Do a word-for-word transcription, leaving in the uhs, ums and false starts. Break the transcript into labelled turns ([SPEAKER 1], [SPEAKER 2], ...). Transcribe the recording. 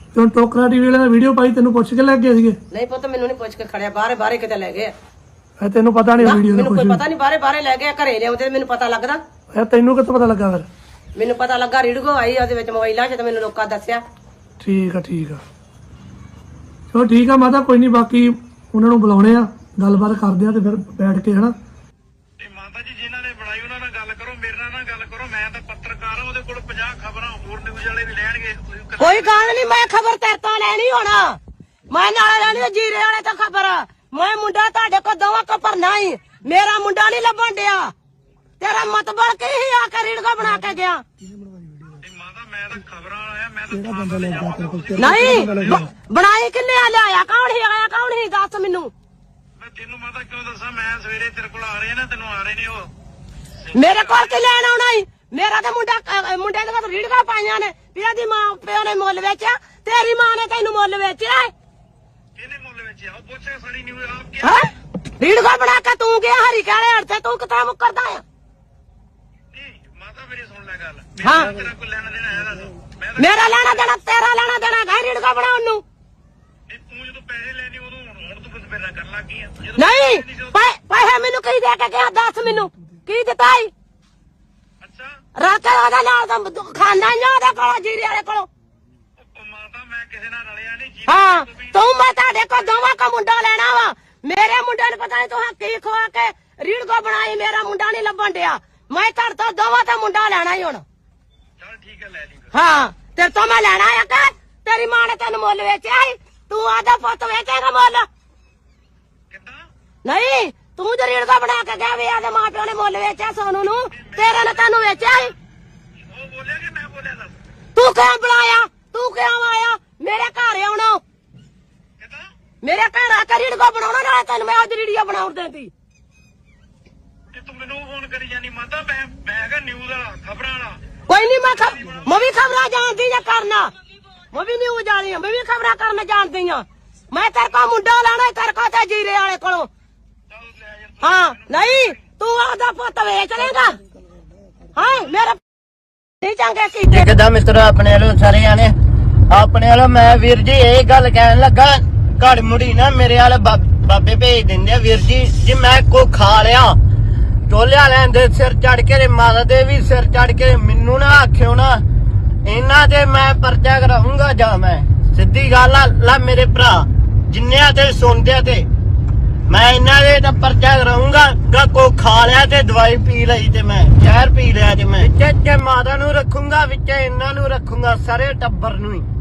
[SPEAKER 1] ਤੇ ਹੁਣ ਟੋਕਰਾ ਟੀਵੀ ਵਾਲਿਆਂ ਨੇ ਵੀਡੀਓ ਪਾਈ ਤੈਨੂੰ ਪੁੱਛ ਕੇ ਲੈ ਗਏ ਸੀਗੇ?
[SPEAKER 2] ਨਹੀਂ ਪੁੱਤ ਮੈਨੂੰ ਨਹੀਂ ਪੁੱਛ ਕੇ ਖੜਿਆ, ਬਾਹਰੇ ਬਾਹਰੇ ਕਿਤੇ ਲੈ ਗਏ।
[SPEAKER 1] ਇਹ ਤੈਨੂੰ ਪਤਾ ਨਹੀਂ ਵੀਡੀਓ ਦਾ
[SPEAKER 2] ਮੈਨੂੰ
[SPEAKER 1] ਕੁਝ?
[SPEAKER 2] ਕੋਈ ਪਤਾ ਨਹੀਂ, ਬਾਹਰੇ ਬਾਹਰੇ ਲੈ ਗਏ, ਘਰੇ ਲਿਆਉਂਦੇ ਮੈਨੂੰ ਪਤਾ ਲੱਗਦਾ।
[SPEAKER 1] ਇਹ ਤੈਨੂੰ ਕਿੱਥੋਂ ਪਤਾ ਲੱਗਾ ਫਿਰ?
[SPEAKER 2] ਮੈਨੂੰ ਪਤਾ ਲੱਗਾ ਰੀਡਗੋ ਆਈ ਉਹਦੇ ਵਿੱਚ ਮੋਬਾਈਲਾਂ 'ਚ, ਤੇ ਮੈਨੂੰ ਲੋਕਾਂ ਦੱਸਿਆ।
[SPEAKER 1] ਠੀਕ ਆ ਠੀਕ ਆ, ਚਲੋ ਠੀਕ ਆ ਮਾਤਾ, ਕੋਈ ਨਹੀਂ, ਬਾਕੀ ਉਹਨਾਂ ਨੂੰ ਬੁਲਾਉਣੇ ਆ, ਗੱਲਬਾਤ ਕਰਦੇ ਆ ਤੇ ਫਿਰ ਬੈਠ ਕੇ ਹਨਾ।
[SPEAKER 3] ਮਾਤਾ ਜੀ ਜਿਨ੍ਹਾਂ ਨੇ ਬਣਾਈ ਉਹਨਾਂ ਨਾਲ ਗੱਲ ਕਰੋ, ਮੇਰੇ ਨਾਲ ਨਾ ਗੱਲ ਕਰੋ। ਮੈਂ ਤਾਂ ਪੱਤਰਕਾਰ ਹਾਂ, ਉਹਦੇ ਕੋਲ ਪੰਜਾਹ ਖਬਰਾਂ ਹੋਰ ਨਿਊਜ਼ ਵਾਲੇ ਵੀ ਲੈਣਗੇ।
[SPEAKER 2] ਕੋਈ ਗੱਲ ਨਹੀਂ, ਮੈਂ ਖਬਰ ਤੇਰੇ ਤੋਂ ਲੈਣੀ ਹੋਣਾ, ਮੈਂ ਨਾਲ ਲੈਣੀ ਜੀਰੇ ਵਾਲੇ ਤੋਂ ਖਬਰ। ਮੈਂ ਮੁੰਡਾ ਤੁਹਾਡੇ ਕੋਲ ਦੋਵਾਂ ਕੋ ਭਰਨਾ ਹੀ, ਮੇਰਾ ਮੁੰਡਾ ਨਹੀਂ ਲੱਭਣ ਡਿਆ। ਤੇਰਾ ਮਤਬਲ ਕੀ ਹੀ ਆ ਕੇ ਰੀਡਗੋ ਬਣਾ ਕੇ ਗਿਆ?
[SPEAKER 3] ਮਾਤਾ ਮੈਂ ਤਾਂ ਖਬਰਾਂ ਆਇਆ, ਮੈਂ ਤਾਂ
[SPEAKER 2] ਨਹੀਂ ਬਣਾਈ ਕਿੰਨੇ ਆ, ਲਿਆਇਆ ਕੌਣ ਹੀ, ਆਇਆ ਕੌਣ ਹੀ, ਦੱਸ ਮੈਨੂੰ।
[SPEAKER 3] ਮੈਂ ਤੈਨੂੰ ਮਾਤਾ ਕਿਉਂ ਦੱਸਾਂ, ਮੈਂ ਸਵੇਰੇ ਤੇਰੇ ਕੋਲ ਆ ਰਹੇ ਨਾ, ਤੈਨੂੰ ਆ ਰਹੇ ਨੇ ਉਹ।
[SPEAKER 2] ਮੇਰੇ ਕੋਲ ਕੀ ਲੈਣ ਆਉਣਾ ਹੀ? ਮੇਰਾ ਤੇ ਮੁੰਡਾ ਮੁੰਡੇ ਦੇ ਕੋਲ ਰੀਡਗੋ ਪਾਈਆਂ ਨੇ, ਪਿਆ ਦੀ ਮਾਂ ਪਿਓ ਨੇ ਮੁੱਲ ਵੇਚਿਆ, ਤੇਰੀ ਮਾਂ ਨੇ ਤੈਨੂੰ ਮੁੱਲ ਵੇਚਿਆ।
[SPEAKER 3] ਕਿਹਨੇ ਮੁੱਲ ਵਿੱਚ ਆ? ਉਹ ਪੁੱਛੇ ਸਾਡੀ ਨਿਊਜ਼ ਆਪ ਕੀ
[SPEAKER 2] ਹਾਂ ਰੀਡਗੋ ਬਣਾ ਕੇ ਤੂੰ ਗਿਆ ਹਰੀ ਕਾਲੇ ਹੜ ਤੇ, ਤੂੰ ਕਿੱਥੇ ਮੁੱਕਰਦਾ ਆ?
[SPEAKER 3] ਨਹੀਂ ਮਾਤਾ ਮੇਰੀ ਸੁਣ ਲੈ ਗੱਲ,
[SPEAKER 2] ਹਾਂ।
[SPEAKER 3] ਮੇਰਾ ਤੇਰਾ ਕੋਈ ਲੈਣਾ ਦੇਣਾ ਹੈ ਦੱਸ। ਮੈਂ ਤਾਂ
[SPEAKER 2] ਮੇਰਾ ਲੈਣਾ ਦੇਣਾ ਤੇਰਾ ਲੈਣਾ ਦੇਣਾ ਹੈ ਰੀਡਗੋ ਬਣਾਉਣ ਨੂੰ।
[SPEAKER 3] ਨਹੀਂ, ਤੂੰ ਜਦੋਂ ਪੈਸੇ ਲੈਣੇ ਉਦੋਂ ਹੁਣ ਹੁਣ ਤੂੰ ਕੁਝ ਮੇਰੇ ਨਾਲ ਕਰਨ ਲੱਗ ਗਈ ਆ। ਜਦੋਂ
[SPEAKER 2] ਨਹੀਂ
[SPEAKER 3] ਪੈਸੇ ਜਦੋਂ-
[SPEAKER 2] ਪੈ- ਪੈਸੇ ਮੈਨੂੰ ਕੀ ਦੇ ਕੇ ਗਿਆ, ਦੱਸ ਮੈਨੂੰ ਕੀ ਦਿੱਤਾ ਈ?
[SPEAKER 3] ਅੱਛਾ
[SPEAKER 2] ਰਾਤੇ ਉਹਦਾ ਨਾਲ ਦਾ ਖਾਂਦਾ ਹੀ ਉਹਦੇ ਕੋਲੋਂ, ਜੀਰੇ ਵਾਲੇ ਕੋਲੋਂ।
[SPEAKER 3] ਉਹ ਮਾਤਾ ਮੈਂ ਕਿਸੇ ਨਾਲ ਰਲਿਆ ਨਹੀਂ ਜੀ।
[SPEAKER 2] ਹਾਂ ਤੂੰ ਮੈਂ ਤੁਹਾਡੇ ਕੋਲ ਦੋਵਾਂ ਕਾ ਮੁੰਡਾ ਲੈਣਾ ਵਾ, ਮੇਰੇ ਮੁੰਡੇ ਨੂੰ ਪਤਾ ਨਹੀਂ ਤੂੰ ਕੀ ਖਵਾ ਕੇ ਰੀਡਗੋ ਬਣਾਈ, ਮੇਰਾ ਮੁੰਡਾ ਨਹੀਂ ਲੱਭਣ ਡਿਆ। ਮੈਂ ਤੁਹਾਡੇ ਤੋਂ ਦੋਵਾਂ ਦਾ ਮੁੰਡਾ ਲੈਣਾ ਹੀ ਹੁਣ।
[SPEAKER 3] ਚਲ ਠੀਕ ਹੈ ਲੈ ਲਈ ਫਿਰ।
[SPEAKER 2] ਹਾਂ ਤੇਰੇ ਤੋਂ ਮੈਂ ਲੈਣਾ ਆ ਕਿ ਤੇਰੀ ਮਾਂ ਨੇ ਤੈਨੂੰ ਮੁੱਲ ਵੇਚਿਆ ਸੀ, ਤੂੰ ਆਦਾ ਪੁੱਤ ਵੇਚੇਗਾ ਮੁੱਲ?
[SPEAKER 3] ਕਿੱਦਾਂ?
[SPEAKER 2] ਨਹੀਂ ਤੂੰ ਤੇ ਰੀਡਗੋ ਬਣਾ ਕੇ ਗਿਆ, ਵੇ ਆਦੇ ਮਾਂ ਪਿਓ ਨੇ ਮੁੱਲ ਵੇਚਿਆ ਸੋਨੂੰ ਨੂੰ, ਤੇਰੇ ਨੇ ਤੈਨੂੰ ਵੇਚਿਆ ਸੀ।
[SPEAKER 3] ਉਹ ਬੋਲਿਆ ਕਿ ਮੈਂ ਬੋਲਿਆ ਦੱਸ?
[SPEAKER 2] ਤੂੰ ਕਿਉਂ ਬੁਲਾਇਆ, ਤੂੰ ਕਿਉਂ ਆਇਆ ਮੇਰੇ ਘਰ ਆਉਣਾ?
[SPEAKER 3] ਕਿੱਦਾਂ?
[SPEAKER 2] ਮੇਰੇ ਘਰ ਆ ਕੇ ਰੀਡਗੋ ਬਣਾਉਣਾ, ਨਾਲੇ ਤੈਨੂੰ ਮੈਂ ਅੱਜ ਰੀਡੀਓ ਬਣਾਉਣ ਦੇਂਦੀ।
[SPEAKER 3] ਤੇ ਤੂੰ ਮੈਨੂੰ ਫੋਨ ਕਰੀ ਜਾਨੀ ਮਾਤਾ, ਮੈਂ ਮੈਂ ਹੈਗਾ ਨਿਊਜ਼ ਵਾਲਾ, ਖਬਰਾਂ ਵਾਲਾ।
[SPEAKER 2] ਕੋਈ ਨਹੀਂ ਮੈਂ ਖ- ਮੈਂ ਵੀ ਖਬਰਾਂ ਜਾਣਦੀ ਆ ਕਰਨਾ, ਮੈਂ ਵੀ ਨਿਊਜ਼ ਵਾਲੀ ਆ, ਮੈਂ ਵੀ ਖਬਰਾਂ ਕਰਨਾ ਜਾਣਦੀ ਆ। ਮੈਂ ਤੇਰੇ ਕੋ ਮੁੰਡਾ ਲੈਣਾ, ਤੇਰੇ ਕੋ ਤੇ ਜੀਰੇ ਵਾਲੇ ਕੋਲੋਂ।
[SPEAKER 3] ਚੱਲ ਲੈ ਯਾਰ।
[SPEAKER 2] ਹਾਂ ਨਹੀਂ ਤੂੰ ਆਦਾ ਪੁੱਤ ਵੇਚ ਲੇਗਾ। ਹਾਂ ਮੇਰਾ ਨਹੀਂ ਚੰਗੇ ਕੀਤੇ
[SPEAKER 4] ਕਿੱਦਾਂ ਮਿੱਤਰੋ ਆਪਣੇ ਵੱਲੋਂ ਸਾਰੇ ਜਾਣੇ ਆਪਣੇ ਵੱਲੋਂ। ਮੈਂ ਵੀਰ ਜੀ ਇਹ ਗੱਲ ਕਹਿਣ ਲੱਗਾ, ਘੜ ਮੁੜੀ ਨਾ ਮੇਰੇ ਵਾਲੇ ਬਾਬੇ ਭੇਜ ਦਿੰਦੇ ਆ ਵੀਰ ਜੀ। ਜੀ ਮੈਂ ਕੋ ਖਾ ਲਿਆ ਟੋਲਿਆ ਲੈਂਦੇ ਸਿਰ ਚੜ ਕੇ, ਮਾਤਾ ਦੇ ਵੀ ਸਿਰ ਚੜ ਕੇ, ਮੈਨੂੰ ਨਾ ਆਖਿਓ ਨਾ ਇਹਨਾਂ ਤੇ ਮੈਂ ਪਰਚਾ ਕਰਾਉਂਗਾ। ਜਾਂ ਮੈਂ ਸਿੱਧੀ ਗੱਲ ਆ ਲਾ ਮੇਰੇ ਭਰਾ ਜਿੰਨਿਆਂ ਤੇ ਸੁਣਦੇ ਤੇ ਮੈਂ ਇਹਨਾਂ ਦੇ ਤਾਂ ਪਰਚਾ ਕਰਾਉਂਗਾ। ਕੋ ਖਾ ਲਿਆ ਤੇ ਦਵਾਈ ਪੀ ਲਈ ਤੇ ਮੈਂ ਜ਼ਹਿਰ ਪੀ ਲਿਆ ਤੇ ਮੈਂ ਵਿੱਚ ਮਾਤਾ ਨੂੰ ਰੱਖੂੰਗਾ, ਵਿੱਚ ਇਹਨਾਂ ਨੂੰ ਰੱਖੂੰਗਾ, ਸਾਰੇ ਟੱਬਰ ਨੂੰ ਹੀ।